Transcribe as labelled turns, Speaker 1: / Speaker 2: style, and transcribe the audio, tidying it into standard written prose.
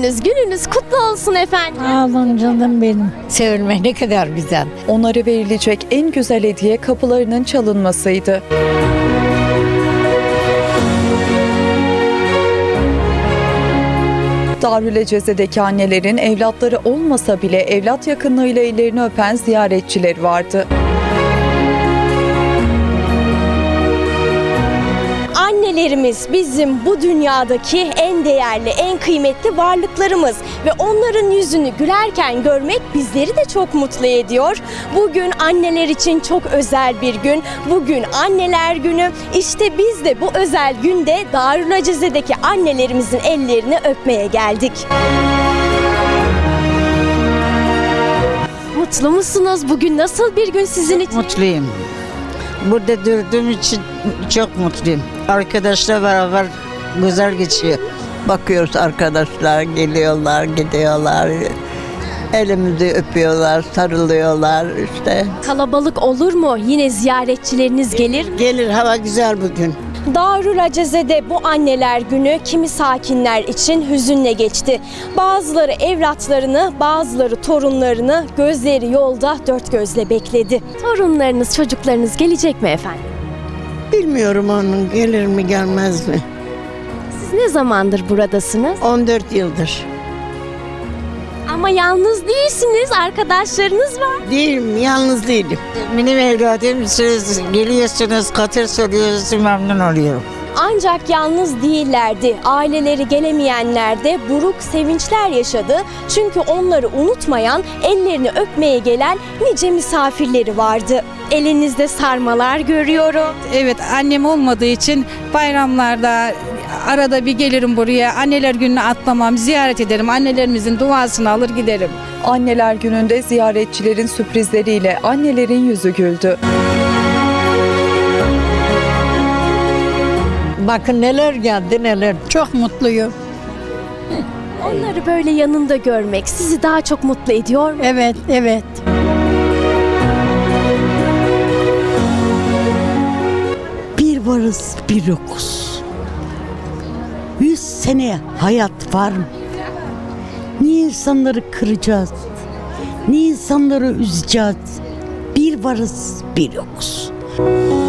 Speaker 1: Gününüz kutlu olsun efendim.
Speaker 2: Sağ olun canım benim. Sevilmek ne kadar güzel.
Speaker 3: Onlara verilecek en güzel hediye kapılarının çalınmasıydı. Darüleceze'deki annelerin evlatları olmasa bile evlat yakınlığıyla ellerini öpen ziyaretçiler vardı.
Speaker 1: Annelerimiz bizim bu dünyadaki en değerli, en kıymetli varlıklarımız ve onların yüzünü gülerken görmek bizleri de çok mutlu ediyor. Bugün anneler için çok özel bir gün. Bugün Anneler Günü. İşte biz de bu özel günde Darüleceze'deki annelerimizin ellerini öpmeye geldik. Mutlu musunuz? Bugün nasıl bir gün sizin için?
Speaker 4: Mutluyum. Burada durduğum için çok mutluyum. Arkadaşlar beraber güzel geçiyor.
Speaker 5: Bakıyoruz arkadaşlar geliyorlar, gidiyorlar. Elimizi öpüyorlar, sarılıyorlar işte.
Speaker 1: Kalabalık olur mu? Yine ziyaretçileriniz gelir mi?
Speaker 4: Gelir, hava güzel bugün.
Speaker 1: Darüleceze'de bu anneler günü kimi sakinler için hüzünle geçti. Bazıları evlatlarını, bazıları torunlarını gözleri yolda dört gözle bekledi. Torunlarınız, çocuklarınız gelecek mi efendim?
Speaker 4: Bilmiyorum onun gelir mi gelmez mi?
Speaker 1: Siz ne zamandır buradasınız?
Speaker 4: 14 yıldır.
Speaker 1: Ama yalnız değilsiniz, arkadaşlarınız var.
Speaker 4: Değilim, yalnız değilim. Benim evladım siz geliyorsunuz, katır soruyorsunuz, memnun oluyorum.
Speaker 1: Ancak yalnız değillerdi. Aileleri gelemeyenler de buruk sevinçler yaşadı. Çünkü onları unutmayan, ellerini öpmeye gelen nice misafirleri vardı. Elinizde sarmalar görüyorum.
Speaker 6: Evet, annem olmadığı için bayramlarda arada bir gelirim buraya. Anneler gününü atlamam, ziyaret ederim. Annelerimizin duasını alır giderim.
Speaker 3: Anneler Günü'nde ziyaretçilerin sürprizleriyle annelerin yüzü güldü.
Speaker 2: Bakın neler geldi neler. Çok mutluyum.
Speaker 1: Onları böyle yanında görmek sizi daha çok mutlu ediyor mu?
Speaker 2: Evet, evet.
Speaker 7: Bir varız bir yokuz. 100 sene hayat var mı? Niye insanları kıracağız? Niye insanları üzeceğiz? Bir varız bir yokuz.